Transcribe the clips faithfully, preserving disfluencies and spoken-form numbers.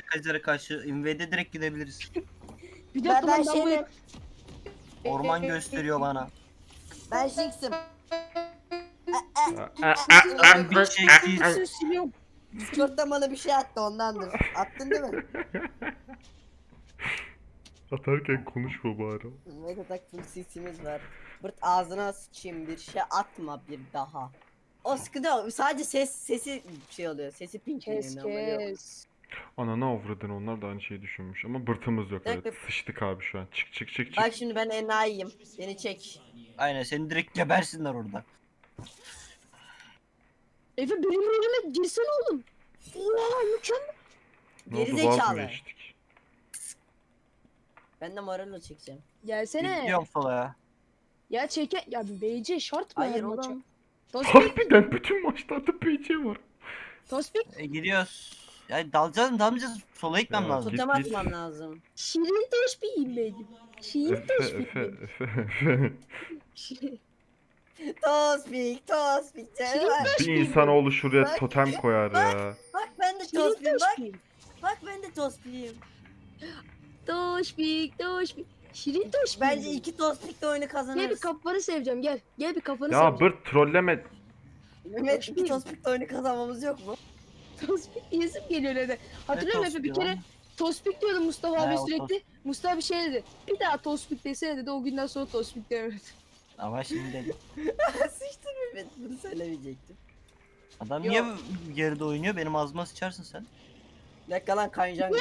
Kaiser'e karşı invade direkt gidebiliriz. Bir Ben, dakika ben lan ben şeyim. bu Orman gösteriyor bana. Ben Jinx'im. Sen bir çekiç. Sesini siliyorum. Discord'da bana bir şey attı ondandır. Attın değil mi? Atarken konuşma bari. Mega takım sesimiz var. Bırt ağzına sıçayım bir şey atma bir daha. O sıkıntı yok. Sadece ses sesi şey oluyor. Sesi pink Kes kes. Ananı avradın, onlar da aynı şeyi düşünmüş ama bırtımız yok, evet. Dakika. Sıçtık abi şu an. Çık çık çık çık. Bak şimdi ben enayiyim. Beni çek. Aynen seni direkt gebersinler orada. Efe benim rolüme girsene oğlum. Oha mükemmel. Ne oldu, Geri vaz mı zekalı. geçtik? Ben de Marul'u çekeceğim. Gelsene. Gidiyorum sola ya. Ya çeke. Ya B C şart mı Hayır her maça? oğlum. Tospik. Harbiden bütün maçlarda P C var. Tospik. E, gidiyoruz. Ya dalacağız mı dalmayacağız mı? Sola gitmem Ya, lazım. git, Totem git. atmam lazım. Şirin teşbihim benim. Şirin Efe teşbihim Efe benim. Efe Efe. Şirin- Tospik, Tospik. Şirin Bak, Bir insanoğlu şuraya Bak, totem koyar ya. bak ben de Şirin Tospik'im bak. teşbihim. Bak ben de Tospik'im. Tospik tospik. Şirin teşbihim. Bence iki Tospik'le oyunu Gel bir kazanırız. kafanı seveceğim gel. Gel bir kafanı Ya seveceğim. bırt trolleme. Mehmet iki Tospik'le oyunu kazanmamız yok mu? Tospik yesim geliyor öyle. Hatırlıyorum Ne Efe bir tospik kere lan? Tospik diyordu Mustafa He, abi o sürekli. Mustafa bir şey dedi. Bir daha Tospik desene dedi. O günden sonra Tospik demedi. Ama şimdi dedim. Sıçtım Mehmet bunu söylemeyecektim. Adam Yok. niye geride oynuyor? Benim ağzıma sıçarsın sen. Bir dakika lan kayacağım.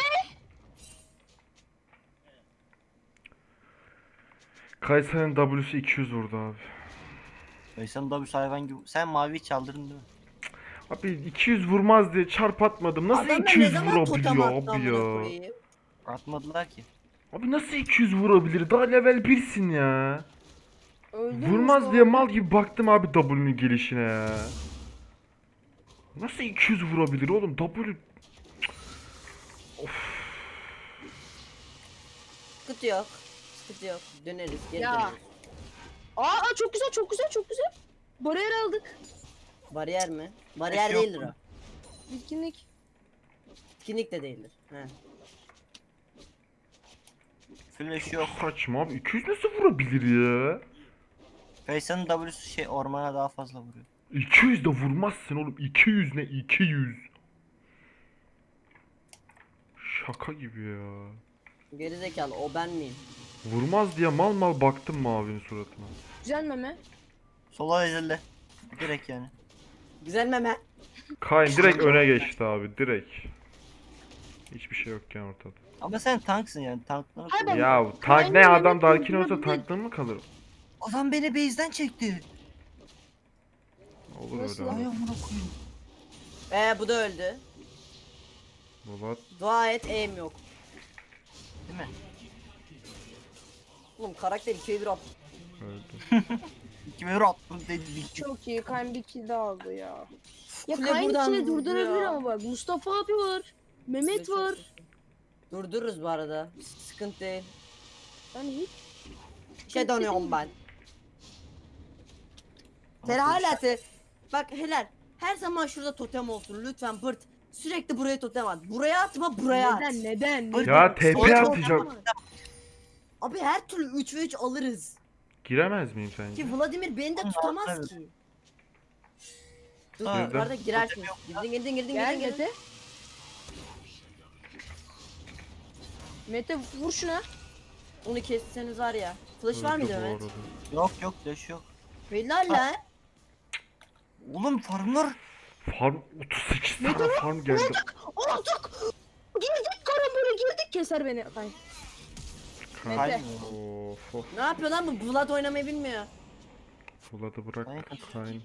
Kayseri'nin W'su iki yüz vurdu abi. Ay sen da bir hayvan gibi. Sen mavi çaldırdın değil mi? Abi iki yüz vurmaz diye çarp atmadım. Nasıl Adamlar iki ne yüz zaman totem vurabiliyor attı abi amına ya? koyayım? Atmadılar ki. Abi nasıl iki yüz vurabilir? Daha level birsin ya. Öldüm Vurmaz Mustafa diye abi. mal gibi baktım abi W'nun gelişine ya. Nasıl iki yüz vurabilir oğlum? W... Sıkıntı yok. Sıkıntı yok. Döneriz geri Ya. döneriz. Aa, aa çok güzel çok güzel çok güzel. Bariyer aldık. Bariyer mi? Bariyer yok değildir o. mu? Bitkinlik. Etkinlik de değildir. He. Flash yok. Saçma abi, iki yüz nasıl vurabilir ya? Faysan'ın W'su şey ormana daha fazla vuruyor. iki yüz de vurmazsın oğlum. iki yüz ne? iki yüz. Şaka gibi ya. Gerizekalı o ben miyim? Vurmaz diye mal mal baktım mavinin suratına. Güzel meme. Sola ezildi. Direkt yani. Güzel meme. Kayn direkt öne geçti abi, direkt. Hiçbir şey yokken ortada. Ama sen tanksın yani tankları. Hay bak- Ya tank Kayn'ın ne, adam Mehmet Darkin olsa vurabilir. tanklı mı kalır? Adam beni base'den çekti. Olur Nasıl öyle lan? Ay abi. amına koyayım. Ee bu da öldü. Baba Dua et aim yok. Değil mi? Oğlum karakter ikiye bir at. öldü. Kime attın dedi. Çok iyi. Kayn bir kill daha aldı ya. Ya Kule Kayn buradan içine vurdu durdurabilir ya. ama bak. Mustafa abi var. Mehmet var. Durdururuz bu arada. Sıkıntı değil. Yani hiç. Şey dönüyorum ben. Sen hala te... Bak helal. Her zaman şurada totem olsun lütfen Bırt. Sürekli buraya totem at. Buraya atma buraya at. Neden neden? Bırak- neden? Ya T Sonra P çok- atacak. Abi her türlü üç ve üç alırız. Giremez miyim sence? Ki Vladimir beni de Oğlum, tutamaz evet. ki. Dur Ha, yukarıda girersin. Girdin girdin girdin Gel girdin girdin. Mete. Mete vur şuna. Onu kesseniz var ya. Flash var Öldü mıydı bu Mehmet? arada. Yok yok flash yok. Helal lan. Oğlum farmlar. Farm otuz sekiz tane farm geldi. Aldık. Girdik karambole girdik. Keser beni. Kayn. Mete. Kayn. Of of. Ne yapıyor lan bu? Vlad oynamayı bilmiyor. Vlad'ı bırak. Kayn. Kayn.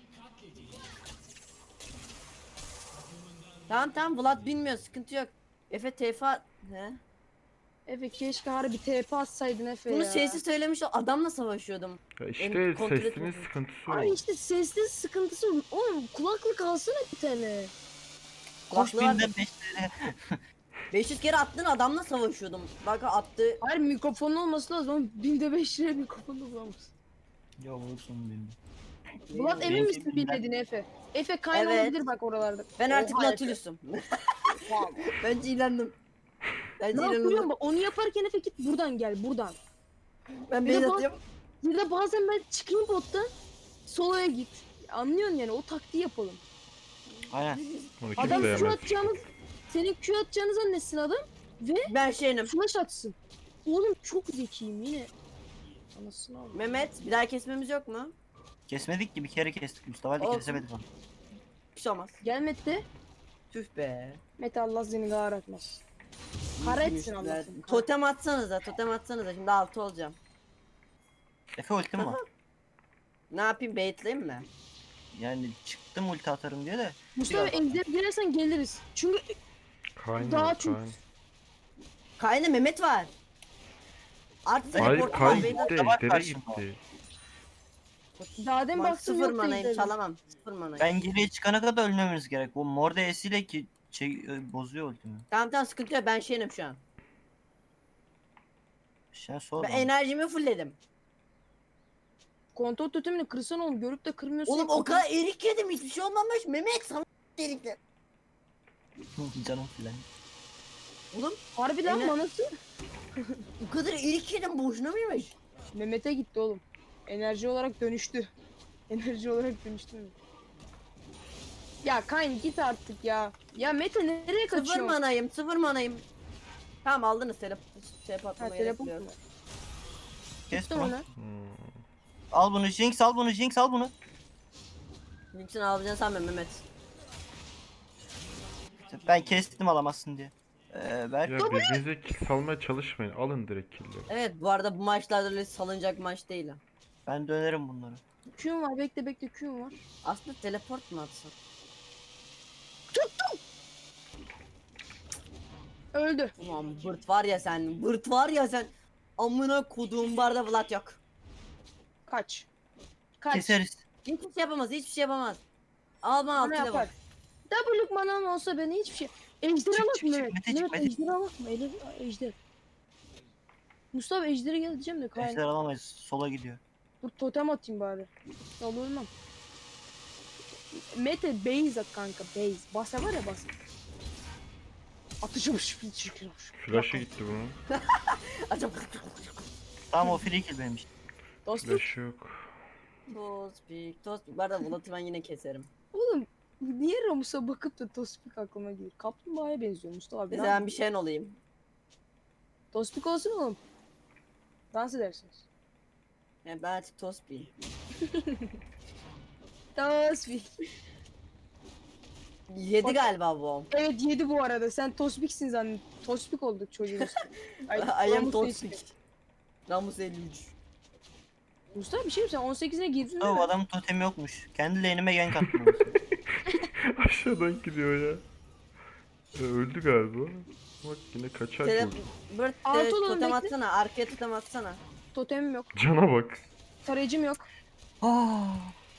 Tamam tamam Vlad bilmiyor sıkıntı yok. Efe T F A... He? Efe keşke harbi T P atsaydın Efe Bunu ya. sessiz söylemiş adamla savaşıyordum. Ya işte Benim kontrol sesinin etmedim. sıkıntısı Ay o. işte sesli sıkıntısı. Oğlum kulaklık alsana bir tane. Koş Kulaklığı var. binden beşleri. beş yüz kere attın adamla savaşıyordum. Bak attı. Hayır mikrofonun olması lazım ama binde beş liraya mikrofon da bulamaz. Ya vursun beni. Bulat emin Benim misin sevgilim bilmediğine Efe? Efe Kayn Evet. olabilir bak oralarda. Ben artık Oha Efe. Nautilus'um. Bence ilendim. Bence Ne yapıyorum inanılmaz. bak onu yaparken Efe git buradan gel buradan. Ben Bir de base bak- atıyorum. Ya da bazen ben çıkayım bottan soloya git. Anlıyorsun yani o taktiği yapalım. Aynen. Onu Adam kimse Q yemez. atacağımız senin Q atacağını zannetsin adam Ben şeyim. flash atsın. Oğlum çok zekiyim yine. Anasını al. Mehmet bir daha kesmemiz yok mu? Kesmedik ki bir kere kestik. Mustafa Ali Olsun. kesemedik onu. Bir şey olmaz. Gel Mete. Tüh be. Mete Allah seni kahretmez. Kahretsin Allah seni. Totem atsanıza, totem atsanıza. Şimdi altı olacağım. Efe ultim var. Ne yapayım, baitleyeyim mi? Yani çıktım ulti atarım diye de. Mustafa Biraz- ejder girersen geliriz. Çünkü Kayn Daha var çok- Kayn. Kaynı Mehmet var. Artık Hayır teleport Kayn var, gitti. beyler. Var Ejder'e karşımda. gitti. daha demin Ben baktım sıfır yok manayım, ejderim. çalamam. Sıfır manayım. Ben geriye çıkana kadar ölmemeniz gerek. Bu mor ile ki şey e, bozuyor ultimi. Tamam tamam, sıkıntı yok, ben şeyim şu an. Sen sor Ben bana. enerjimi fullledim. Kontrol totemini kırsan oğlum görüp de kırmıyorsun. Oğlum o kadar erik yedim, hiçbir şey olmamış. Mehmet sana erikler. Canım filan. Oğlum Harbiden Ener- manası bu kadar erik yedim, boşuna mıymış? Mehmet'e gitti oğlum. Enerji olarak dönüştü. Enerji olarak dönüştü mü? Ya Kayn git artık ya. Ya Mete nereye Sıfır kaçıyorsun? manayım, sıfır manayım. Tamam aldınız, telep şey Ha patlama telefon gerek mu? yok. Kes Tuttum bunu. onu. Hmm. Al bunu Jinx, al bunu Jinx, al bunu. Linksin alabileceğini sanmıyorum Mehmet. Ben kestim alamazsın diye. Ee, Berk. Ya birbirinize kill salmaya çalışmayın. Alın direkt killleri. Evet, bu arada bu maçlarda öyle salınacak maç değil ha. Ben dönerim bunları. Q'm var bekle bekle Q'm var. Aslında teleport mu atsın? Öldü. Ulan bırt var ya sen, bırt var ya sen. Amına koduğum barda Vlad yok. Kaç. Kaç. Keseriz. Hiçbir şey yapamaz, hiçbir şey yapamaz. Al bana Ne altıyla yapar? bak. W'luk manam olsa beni hiçbir şey... Ejder'e Çık, bak çık, çık, Mehmet. Mete, çık, Mehmet Mete. Ejder'e bakma. Ele, Ejder. Mustafa Ejder'e gel diyeceğim de Kayn. Ejder alamayız. Sola gidiyor. Dur totem atayım bari. Olur olmam. Mete base at kanka base. Basa var ya basa. Atacağım şu çirkin olmuş. Flash'ı gitti bunun. Acaba Tamam o free kill benim işte. Dostum. Flash'ı yok. Tospik, tospik. Bu arada Vlad'ı ben yine keserim. Oğlum niye Ramus'a bakıp da Tospik aklıma gelir? Kaplumbağaya benziyor Mustafa abi. Mesela ben bir şeyin olayım. Tospik olsun oğlum. Dans edersiniz. Yani ben artık tospiyim. Tospik. Yedi Bak- galiba bu. Evet yedi bu arada. Sen Tospik'sin zannet. Tospik olduk çocuğumuz. Ay, I am Ramus tospik. değişti. Ramus elli üç. Mustafa bir şey mi sen on sekize girdin değil O mi? adamın totemi yokmuş. Kendi lane'ime gank attım. anasını. Aşağıdan gidiyor ya. E, öldü galiba. Bak yine kaçar Tele... çocuk. Bırt Altı e, olalım, totem bekle. atsana. Arkaya totem atsana. Totemim yok. Cana bak. Tarayıcım yok. Ah.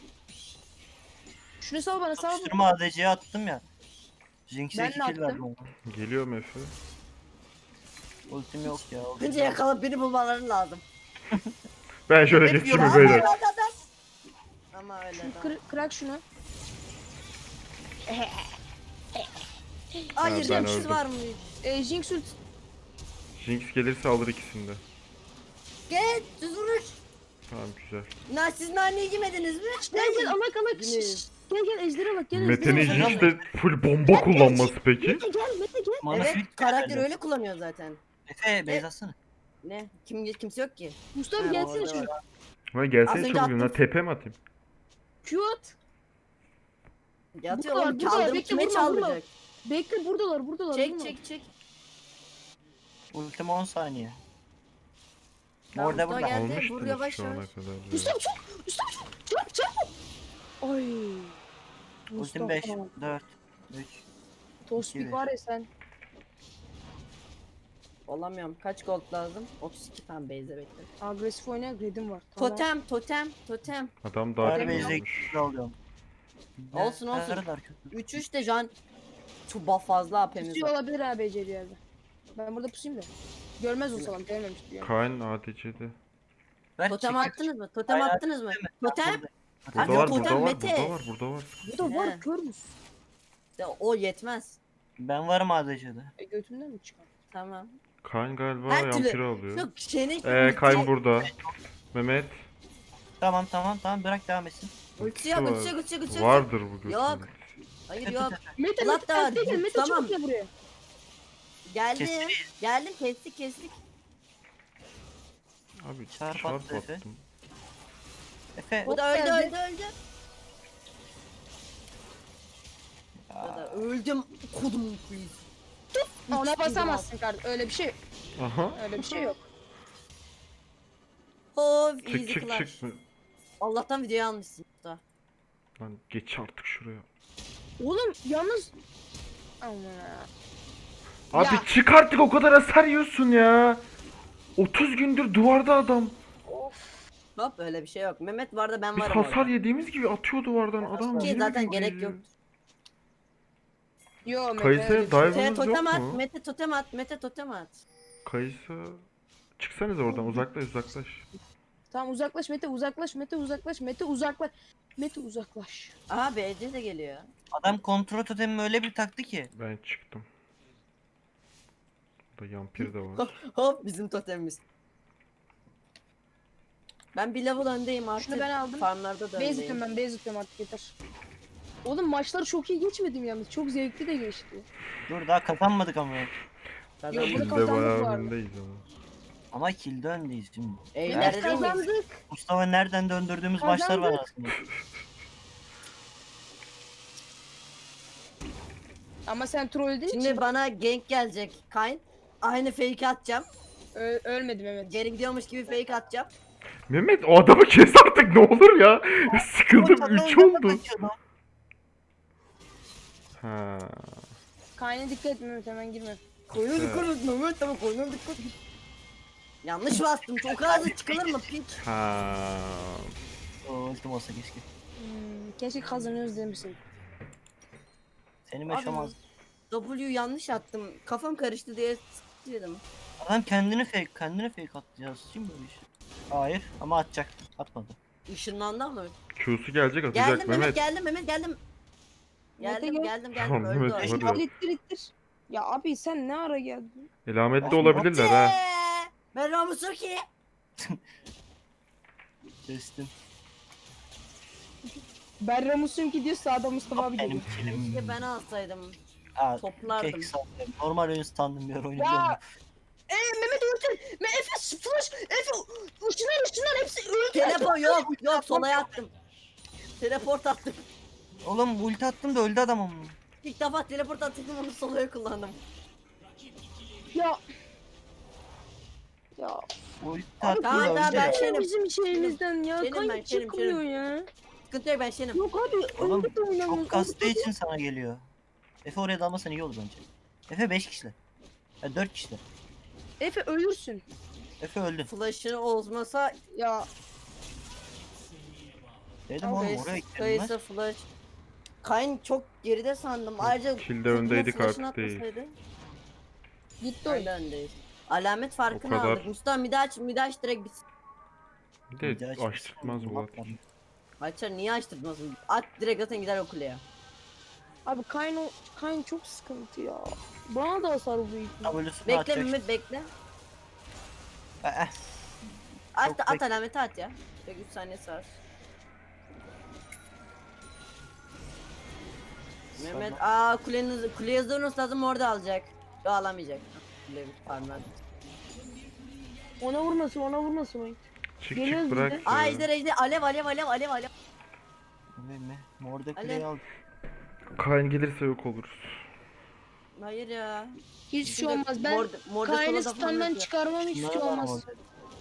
Şunu sal bana sal bana. Tutuşturma A D C'ye attım ya. Jinx'e Ben iki de kill attım. verdim ona. Geliyor Efe. Ultim yok ya. ultim Bence yok. yakalayıp beni bulmaları lazım. Ben şöyle Hep geçeyim mi yoran beyler? Hadi, hadi, hadi. Ama öyle Şunu de. kır, kırak şunu. Hayır, ben Jinx öldüm. var mı? E, Jinx ult. Jinx gelirse alır ikisini de. Gel, düz vuruş. Tamam güzel. Na, siz naneyi yemediniz mi? Gel gel alak alak. Yine- Şşş, şşş. Gel gel ejdere bak gel Mete'nin ejdere bak. Jinx'te full bomba kullanması peki. Mete gel Mete gel. Mana Evet, fit karakter geldi. öyle kullanıyor zaten. Efe base atsana. Ne? Kim kimse yok ki. Mustafa Ha, gelsene orada şunu. var. Lan Az gelsene önce çabuk attım. yanına tepe mi atayım? Q at. Yatıyor Buradalar, oğlum, buradalar. çaldığım Bekle, kime vurma, vurma. çaldıracak? Bekle buradalar buradalar. Çek vurma. çek çek. Ultim on saniye. Tamam, Orada Mustafa burada. geldi. Vur Almıştınız yavaş şu ana yavaş. kadar. ya. Mustafa çok. Mustafa çok. Çabuk çabuk. Ay. Ultim Mustafa. beş, dört, üç. Tospik iki, var ya sen. Olamıyorum. Kaç gold lazım? otuz iki tane base'e bekle. Agresif oynayan Red'im var. Tamam. Totem, totem, totem. Adam daha Her Totem base'e almış. kill alıyorum. Olsun, Ne olsun. kadar kötü. üç üç de can çok buff fazla A P'miz Pusuyor var. olabilir abi bir yerde. Ben burada pusayım da. Görmez o salam görmemiş diyor. Kayn A D C'de. Ver, Totem çek, attınız mı? Totem Hayır, attınız mı? çek. Totem? Burada. Burada Abi, var, totem burada var, Mete. burada var, burada var. Bu da var He. kör müsün? Ya, o yetmez. Ben varım A D C'de. E götümden mi çıkar? Tamam. Kayn galiba Her türlü- yampiri alıyor. Yok şeyini... Ee, Kayn burada. Mehmet. Tamam tamam tamam bırak devam etsin. Ultisi yok, ultisi yok, ultisi yok, ultisi yok. Vardır bu götünün. Yok. Hayır yok. Mete Ulan Mete daha Mete gel Mete tamam. çabuk gel buraya. Geldim. Kestik. Geldim, kestik, kestik. Abi Çarp çarp attı Efe. attım. Efe. Bu da öldü, geldi. öldü, öldü. Bu Aa, da öldüm. Kodum please. Ona basamazsın kardeşim. Öyle bir şey Aha. öyle bir şey yok. Of, Çık easy çık clash. çık. Allah'tan videoyu almışsın da. Lan geç artık şuraya. Oğlum yalnız Aman. Abi Ya. çık artık, o kadar hasar yiyorsun ya. otuz gündür duvarda adam. Hop, öyle bir şey yok. Mehmet var da ben Biz varım hasar yediğimiz gibi atıyor duvardan adam. Ki yine zaten mi gerek geliyor? yok. Yo Mete. Kayısı öyle bir şey- dive- Mete Hayvanınız totem yok at, mu? Mete totem at, Mete totem at. Kayısı. Çıksanız oradan, uzaklaş uzaklaş. Tamam uzaklaş Mete uzaklaş Mete uzaklaş Mete uzaklaş. Mete uzaklaş. Aha B C de geliyor. adam kontrol totemimi öyle bir taktı ki. Ben çıktım. Burada yampir de var. Hop, bizim totemimiz. Ben bir level öndeyim artık. Şunu ben aldım. Farmlarda da Base öndeyim. atıyorum ben base atıyorum artık yeter. Oğlum maçları çok iyi geçmedim yalnız. Çok zevkli de geçti. Dur daha kazanmadık ama. Kazandık. Yok, bunu Kilde kazandık bu bayağı arada. öndeyiz ama. Ama kilde öndeyiz şimdi. Eylerde Evet değil miyiz? kazandık. Mustafa nereden döndürdüğümüz maçlar var Kazandık. aslında. Ama sen troll değil Şimdi için bana gank gelecek Kayn. Aynı fake atacağım. Ö- ölmedim evet. Geri gidiyormuş gibi fake atacağım. Mehmet, o adamı kes artık ne olur ya. Sıkıldım, üç oldu. Ha. Kayn'a dikkat et Mehmet hemen girme. Koyuna Evet. dikkat et Mehmet, tamam koyuna dikkat et. Yanlış bastım. Çok hızlı çıkılır mı piç? Ha. O ultim olsa keşke. Hmm, keşke kazanıyoruz demişsin. Seni Abi, meşamaz. W yanlış attım. Kafam karıştı diye dedim. Adam kendini fake, kendini fake atacağız. Kim böyle iş? Hayır ama atacak. Atmadı. Işınlandı ama. Q'su gelecek, atacak Geldim Mehmet, Mehmet. geldim Mehmet, geldim. Mete Geldim, gel. geldim, geldim. Tamam, Öldü Mehmet, o. hadi. İttir ittir ittir. Ya abi sen ne ara geldin? Elametli olabilirler ha. Eee, Ben Ramusuki. Kestim. Ben Ramus'um ki diyor sağda Mustafa abi Benim geliyor. kilim. Keşke ben alsaydım. Aa, Toplardım. kek sandım. Normal oyun sandım bir ara oyunu Ya. biliyorum. Eee Mehmet ulti. Me Efe flash. Efe ışınlar ışınlar hepsi öldü. Teleport yok, yok solaya attım. Teleport attım. Oğlum ulti attım da öldü adam ama. İlk defa teleport attım, onu solaya kullandım. Ya. Ya. Ulti Abi attım tamam, da tamam, öldü. ben ya. şey- Şerim. bizim şeyimizden ya. Şerim ben, Kanka şerim, çıkmıyor ya. Sıkıntı yok, ben şeyim. Yok abi Oğlum öldü de oynamıyoruz. çok kastığı için sana geliyor. Efe oraya dalmasan iyi olur bence. Efe beş kişiler. Ya dört kişiler. Efe ölürsün. Efe öldü. Flash'ı olmasa Ya Dedim oğlum oraya kayısı, gidelim ben. kayısı flash. Kayn çok geride sandım. Ayrıca Kilde Kuzma öndeydik flash'ını artık değil. atmasaydı. gitti oyun. Hala öndeyiz. Alamet farkını O kadar. aldık. Mustafa midaç midaç direkt bitsin. Bir Bir de daha açtırtmaz çıksın, bu atmadım. atır. Açar niye açtırtmasın? At direkt zaten gider o kuleye. Abi Kayn, o- Kayn çok sıkıntı ya. Bana da hasar vuruyor. W'sunu Bekle atacak. Mehmet, bekle. Eh, At Çok at bek- alameti at ya. Bek üç saniyesi var. Mehmet aa kulenin kuleye hızlı lazım, orada alacak. Yo, alamayacak. Kule farmlar. Ona vurmasın ona vurmasın oyun. Çık Geliyoruz çık bırak biz de. Aa ya. ejder ejder alev alev alev alev alev. Ne ne? Morde Alo. kuleyi aldı. Kayn gelirse yok oluruz. Hayır ya. Hiçbir şey olmaz. Ben Morde- Morde Kayn'ı solo da standdan falan çıkarmam hiçbir Şunlara şey bak olmaz. orada.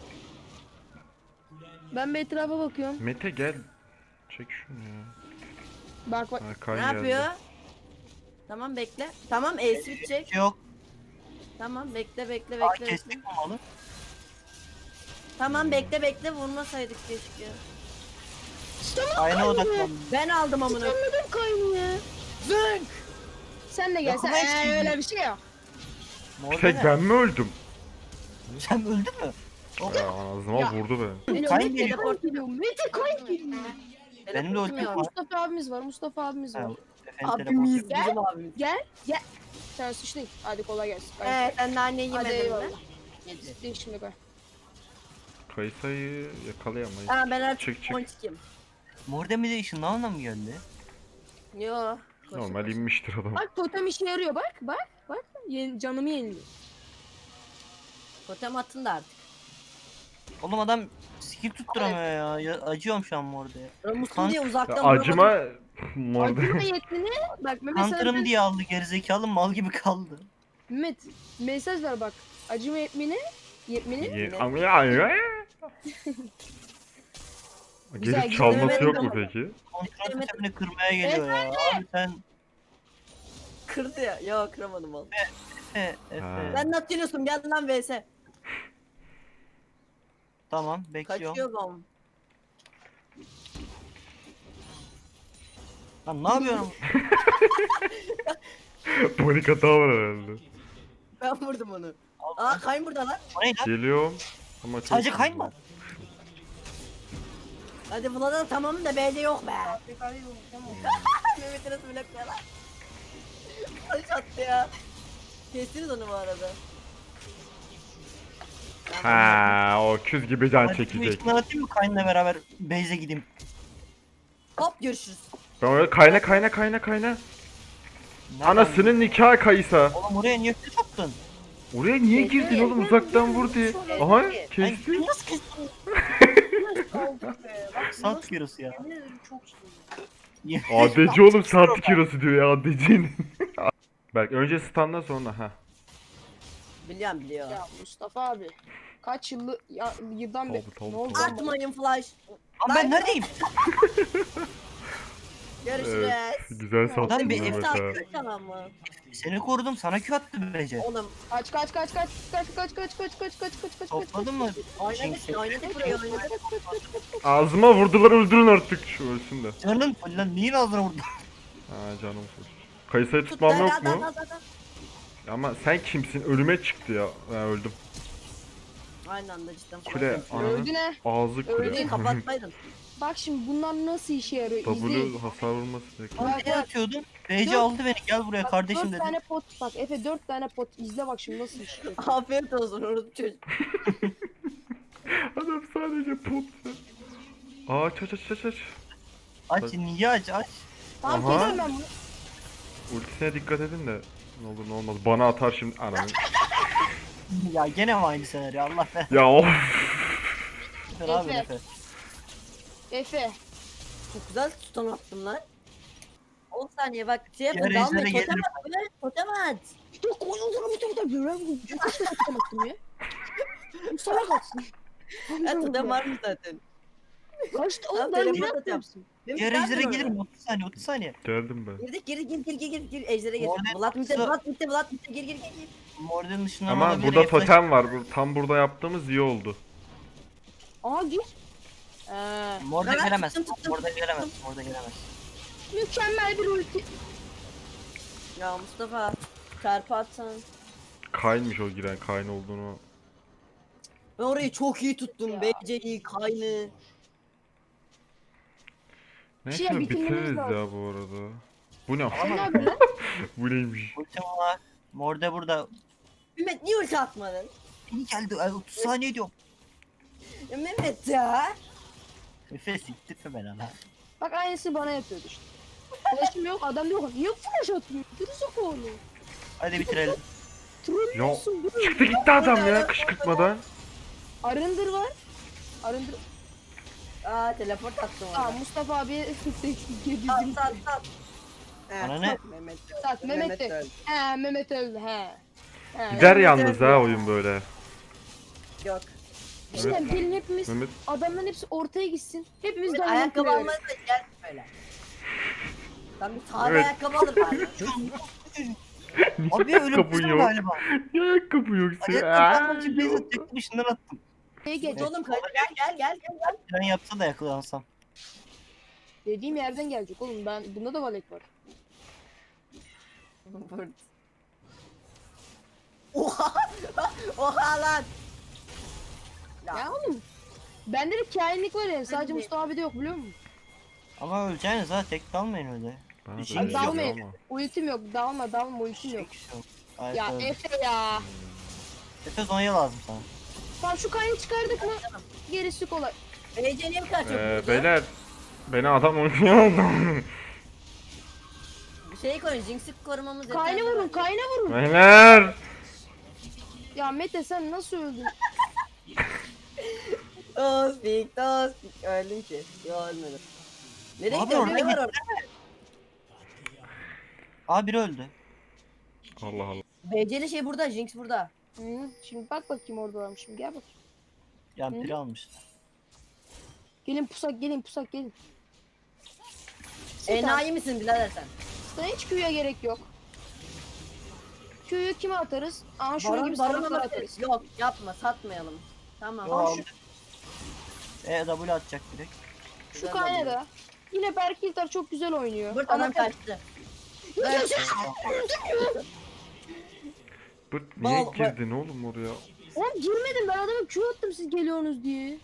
Ben bir etrafa bakıyorum. Mete gel. Çek şunu ya. Bak bak. Ha, Ne Kayn geldi. yapıyor? Tamam bekle. Tamam ace bitecek. Yok. Tamam bekle bekle Aa bekle. bekle. kestik mi malı? Tamam bekle bekle, vurmasaydık keşke. Aynı odaklandım. Ben aldım amına. Anladım Kayn'ı ya. Zınk. Sen de gel sen. Yapma Ee, hiç öyle bir şey yok. Morde Tek ne? ben mi öldüm? Sen öldün mü? Ya ağzıma Ya. vurdu be. Geliyor, Kayn Mete geliyor. Kayn geliyor. Mete Kayn geliyor. Benim de ultim Teleportum var. yok. Mustafa abimiz var. Mustafa abimiz Ha, var. Efendim Abimiz, telefon. bizim abimiz. Gel gel. Sen sıçtın. Hadi kolay gelsin. Ee, sen daha ne Hadi yemedin mi? eyvallah. Değil şimdi koy. Kayısayı yakalayamayız. Aa ben artık Çık çık. ponçikim. Mordemide ışınlanma mı geldi? Yo. koşun, Normal koşun. inmiştir adam. Bak totem işe yarıyor bak bak bak. Yen, canımı yeniliyor. Totem atın da artık. Oğlum adam skill tutturamıyor ya. ya acıyorum şu an Morde'ye. Ramus'un Kan- diye Ya uzaktan acıma Acıma morde. yetmini bak Mehmet sana Counter'ım diye aldı gerizekalı mal gibi kaldı. Mehmet mesaj ver bak. Acıma yetmini yetmini Ye- Ne? Ama ya- ya- Güzel, Gelip güzel. çalması yok mu Evet. peki? Kontrol Evet. sistemini kırmaya geliyor ya. Abi sen kırdı ya. Yo kıramadım oğlum. Efe, Efe. Ha. Ben ne atıyorsun? Gel lan V S. Tamam bekliyorum. Kaçıyor bom. Lan ne yapıyorum? Panik hata var herhalde. Ben vurdum onu. Aa kayın burada lan. O ne lan? Geliyorum. Ama çok Sadece hızlı. kayma. Hadi buna tamam da B'de yok be. Mehmet'e nasıl blokluyor lan? Kaç attı ya. Kestiniz onu bu arada. Ha, o küz gibi can Hadi çekecek. ışınlar atayım mı Kayn'la beraber base'e gideyim. Hop görüşürüz. Ben öyle kayna kayna kayna kayna. Nereden- Anasının nikah kayısa. Oğlum oraya niye kız attın? Oraya niye girdin oğlum uzaktan vur diye. Aha Ben kesti. nasıl kestin? Sat kilosu ya. A D C oğlum saat kilosu diyor ya A D C'nin. Berk önce standdan sonra ha. Biliyorum biliyor. Ya Mustafa abi. Kaç yıllı ya, yıldan beri Tabii, tabii, ne oldu tabii. lan bana? Atmayın flash. Lan ben neredeyim? Görüşürüz. Evet, güzel sattın Lan bir Mehmet efsane ha. Takip tamam mı? Seni korudum sana Q attı Bece. Oğlum Kaç kaç kaç kaç kaç kaç kaç kaç kaç kaç kaç kaç Topladın mı? oynadık oynadık burayı oynadık. Ağzıma vurdular öldürün artık şu ölsün de. Canın full lan neyin ağzına vurdun? Ha canım sus. Kayısayı Tut tutmam da yok da mu? da da da. Ama sen kimsin? Ölüme çıktı ya. Ben öldüm. Aynı anda cidden. Kule ananı. Öldü ne? Ağzı Öldü. kule. Öyle kapatmaydın. Bak şimdi bunlar nasıl işe yarıyor izleyin. W hasar vurması bekliyor. Bak, Ne bak. atıyordum? Bece Dört- aldı beni gel buraya Bak, kardeşim dört dedi. tane pot bak Efe dört tane pot izle bak şimdi nasıl iş yapıyor. Afiyet olsun orada çocuk. Adam sadece pot. Aa aç aç aç aç aç. Aç niye aç aç. Tamam Aha. keserim ben bunu. Ultisine dikkat edin de. Ne olur ne olmaz. Bana atar şimdi ananı. Ya gene mi aynı senaryo Allah be. Ya of. Efe abi Efe. Efe. Efe. Çok güzel tutan attım lan. on saniye bak şey yapın Diğer dalmayın ejdere totem gelirim. at böyle totem at. Yok oyunlara bir tane böyle bu çok kaç tane attım ya. Bu salak atsın. Ya totem var mı zaten? Kaçtı Lan oğlum ben telefon ne atıyorum. yapıyorsun? Benim Diğer zaten ejdere orada. gelirim otuz saniye otuz saniye. Geldim ben. Girdik gir gir gir gir gir gir ejdere gir. Orada Vlad mitte yoksa- Vlad mitte Vlad mitte gir gir gir gir. Morde'nin dışından Ama alabilir, burada Eflaş- totem var. Bu- Tam burada yaptığımız iyi oldu. Aa gir. Ee, Morde Ben gelemez. tuttum, tuttum, Morde gelemez. Morde gelemez. mükemmel bir ulti. Ya Mustafa çarpı atsan. Kaynmış o giren kayn olduğunu. Ben orayı çok iyi tuttum. Ya. B C'yi kaynı. Neyse Şey, bitirmemiz bitiririz lazım. ya bu arada. Bu ne? Sen ne yapıyorsun lan? Bu neymiş? Ultim var. Morde burada. Mehmet niye ulti atmadın? İyi geldi. ay, otuz saniye diyorum. Ya Mehmet ya. Efe siktirme beni lan. Bak aynısını bana yapıyordu işte. Flash'ım yok adam yok. Niye flash atmıyor? Gerizekalı. Hadi bitirelim. Trollüyorsun bunu. Çıktı gitti adam ya kışkırtmadan. Arındır var. Arındır. Aa teleport attım Aa ona. Mustafa abi yedi Sat bizim. sat sat. Bana ne? Mehmet. Sat Mehmet de. öldü. He Mehmet öldü he. He. Gider Mehmet yalnız öldü ha ya. oyun böyle. Yok. İşte gelin hepimiz Mehmet adamların hepsi ortaya gitsin. Hepimiz Mehmet de ayakkabı ayakkabı almaya da gel böyle. Ben bir tane Evet. ayakkabı alır bari. Abi öyle ayakkabın bir yok? galiba. Ya ayakkabı yok senin. Ayakkabı Aa, almak için base yok. atacaktım ışından attım. Şeye geç. Oğlum kaydı gel gel gel gel. Ben yapsa da yakalansam. Dediğim yerden gelecek oğlum. Ben bunda da valek var. gel. Oha! Oha lan! Ya oğlum. Bende de kainlik var yani. Sadece de- Mustafa abi de yok biliyor musun? Ama öleceğiniz ha tek kalmayın öyle. Bana da Abi öyle geliyor dalmayın. ama. Ultim yok. Dalma dalma ultim yok. Hiçbir şey yok. Ay, Ya öldü. Efe ya. Efe Zonya lazım sana. Tamam şu kayını çıkardık mı? Gerisi kolay. B C niye bu kadar çok Ee, vurdu? beyler. Beni adam oynuyor. Bir şey koyun, Jinx'i korumamız yeterli. Kayna vurun kayna vurun. Beyler. Ya Mete sen nasıl öldün? Tospik, tospik. Öldüm ki. Yo ölmedim. Nereye Abi gidiyorsun? oraya Ne var git. orada? Aa biri öldü. Allah Allah. B C'li şey burada, Jinx burada. Hı, şimdi bak bakayım orada varmış şimdi gel bak. Yan Hı? piri almış. Gelin pusak gelin pusak gelin. Sen, Enayi misin birader sen? sana hiç Q'ya gerek yok. Q'yu kime atarız? Aha şunun Baron, gibi baron salaklara alabilir. atarız. Yok yapma, satmayalım. Tamam. Yo Aa, aldı. E W atacak direkt. Şu Güzel kayna oluyor. da. Yine Berkilter çok güzel oynuyor. Bırt Ama adam kaçtı. Bırt niye Bal- girdin oğlum oraya? Oğlum girmedim ben adama Q attım siz geliyorsunuz diye.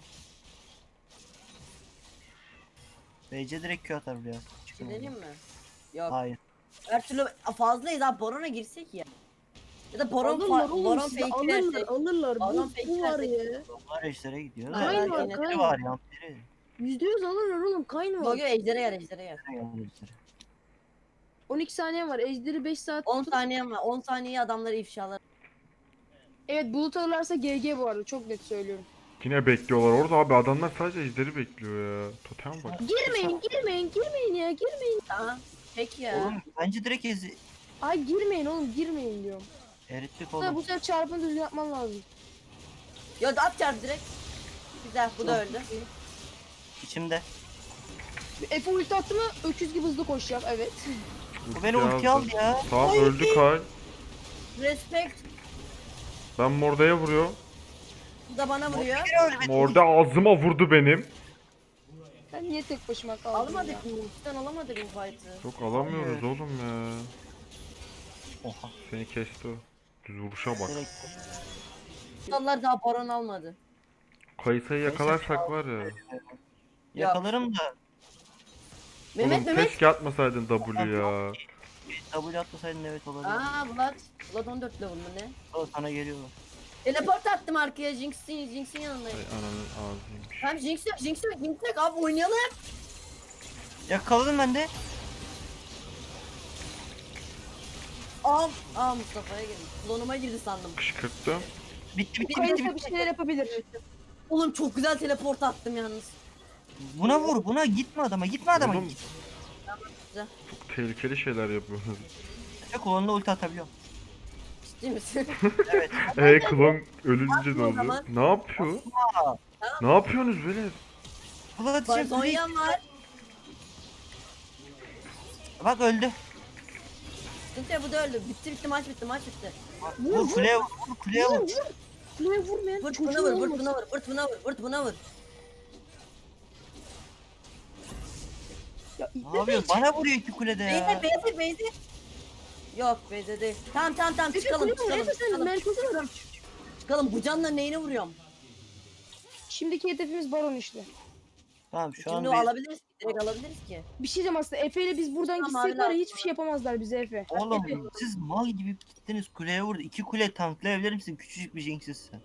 B C direkt Q atar buraya. Çıkın Gidelim oradan. mi? Yok. Hayır. Her türlü fazlayız abi, Baron'a girsek ya. Ya da Baron, Alırlar fa- oğlum Baron sizi fake alırlar versek. alırlar. Baron Bu, fake bu var versek. ya. Onlar ejder'e gidiyor. Aynen, Da. Kayn var aynen. Piri kayn. var yan piri. Yüzde yüz alırlar oğlum kayn var. Bugün ejdere gel, ejdere gel. Yan ejder'e. on iki saniye var. Ejderi beş saat. on saniyem var. on saniye adamları ifşalar. Evet bulut alırlarsa G G bu arada çok net söylüyorum. Yine bekliyorlar orada abi, adamlar sadece ejderi bekliyor ya. Totem bak. Girmeyin girmeyin girmeyin ya girmeyin. Tamam. Peki ya. Oğlum bence direkt ezi. Ay girmeyin oğlum girmeyin diyorum. Erittik Tabii bu oğlum. sefer çarpını düzgün yapman lazım. Ya at çarp direkt. Güzel, bu da öldü. İçimde. Efe ulti attı mı öküz gibi hızlı koşacak evet. Bu beni ulti aldı ya. Tamam öldü Kay. Respect. Ben Morda'ya vuruyor. Bu da bana vuruyor. Biri öyle beni Morda ağzıma vurdu benim. Ben niye tek başıma kaldım ya? Alamadık mı? Cidden alamadık bu fight'ı. Yok alamıyoruz oğlum ya. Oha. Seni kesti o. Düz vuruşa bak. Direkt. Onlar daha Baron almadı. Kayısayı yakalarsak var ya. Yakalarım da Mehmet Oğlum Mehmet. keşke atmasaydın W ya. W atmasaydın evet olabilir. Aa Vlad. Vlad on dört level mı ne? O sana geliyorlar. Teleport attım arkaya, Jinx'in Jinx'in yanındayım. Ay ananın ağzıymış. Hem Jinx yok, Jinx yok, Jinx yok abi, oynayalım. Yakaladım ben de. Aa, aa Mustafa'ya girdi. Klonuma girdi sandım. Kışkırttım. Bitti bitti Kayısı bitti bir bitti. şeyler yapabilir. Oğlum çok güzel teleport attım yalnız. Buna vur buna gitme adama gitme adama. Oğlum Git. çok tehlikeli şeyler yapıyorsunuz. Efe kolonuna ulti atabiliyor. Ciddi misin? Evet. Eee klon ölünce ne o oluyor? zaman. Ne yapıyor? Ne yapıyorsunuz böyle? Ulan Bak şimdi Zonya'm var. bak öldü. Sıkıntı yok, bu da öldü. Bitti bitti, maç bitti, maç bitti. Vur kuleye vur. Vur kuleye vur. Kuleye vurmayan Vırt çocuğun buna vur, vırt olmasın. buna vur, vırt buna vur, vırt buna vur. Ya, Ne yapıyorsun? Bana vuruyor iki kulede Beyze, ya. beyze, beyze. Yok beyze değil. Tamam tamam tamam, Efe çıkalım kuleye vur çıkalım Efe sen çıkalım. merkeze vur. Çıkalım, bu canla neyine vuruyorum? Şimdiki hedefimiz baron işte. Tamam şu an Şimdi o bir... alabiliriz ki, direkt alabiliriz ki. Bir şey diyeceğim aslında Efe ile biz buradan Tamam, gitsek var ya abi, hiçbir şey yapamazlar bize Efe. Oğlum siz mal gibi gittiniz kuleye vurdu. İki kule tanklayabilir misin? Küçücük bir jinx'sin.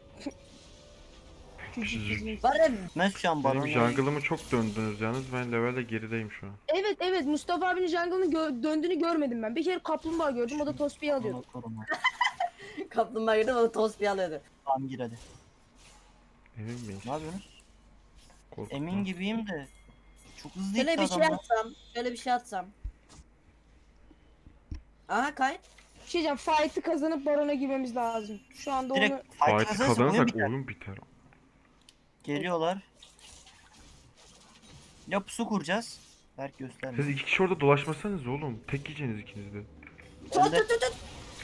Küçücük. Var ya, Ben şu an Benim barona jungle'ımı çok döndünüz yalnız, ben levelde gerideyim şu an. Evet evet Mustafa abinin jungle'ını gö- döndüğünü görmedim ben. Bir kere kaplumbağa gördüm o da Tospi'yi alıyordu. koruma. kaplumbağa girdi, o da tost bir alıyordu. Tamam gir hadi. Emin miyiz? Ne yapıyorsunuz? Korkutma. Emin gibiyim de. Çok hızlı Şöyle gitti bir şey adamlar. atsam, şöyle bir şey atsam. Aha kay. Bir şey diyeceğim fight'ı kazanıp barona girmemiz lazım. Şu anda onu... Direkt fight Fight'ı kazanırsa oyun kazanırsak biter. oyun biter. Geliyorlar. Ya pusu kuracağız. Berk gösterme. Siz iki kişi orada dolaşmasanız oğlum. Tek yiyeceğiniz ikiniz de. Tut Ben de- tut tut tut.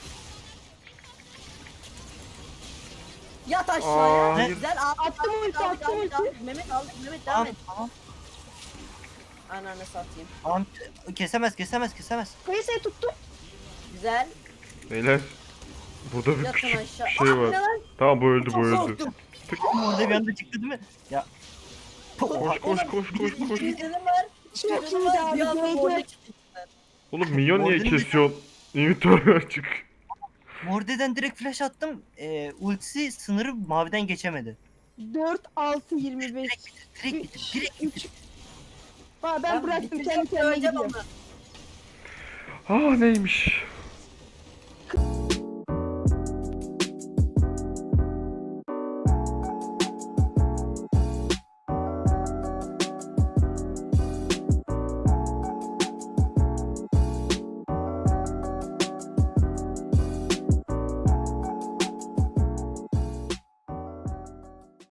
Yat aşağıya. Aa, Güzel al. Attım ulti al, attım al, ulti. al. Mehmet al, Mehmet devam Tamam et. tamam. Ananı satayım. Tamam. Kesemez kesemez kesemez. Kayısayı tuttum. Güzel. Beyler. Burada bir Yatın küçük aşağı. bir şey Aa, var. ne lan? Tamam bu öldü bu Çok öldü. korktum. Ama orada bir anda çıktı değil mi? Ya. Koş koş koş koş koş. İkimizde de var. Çok İkimizde de iyiydi var. abi, Bir anda G G. orada çıktı. Oğlum minyon niye Morden'in bir- kesiyorsun? İnventörü açık. Morde'den direkt flash attım. Ee, ultisi sınırı maviden geçemedi. dört, altı, yirmi beş. Direkt bitir. Direkt bitir. Aa, ben bıraktım bitireceğim, kendi kendine söyleyeceğim gidiyor. ama. Aa neymiş?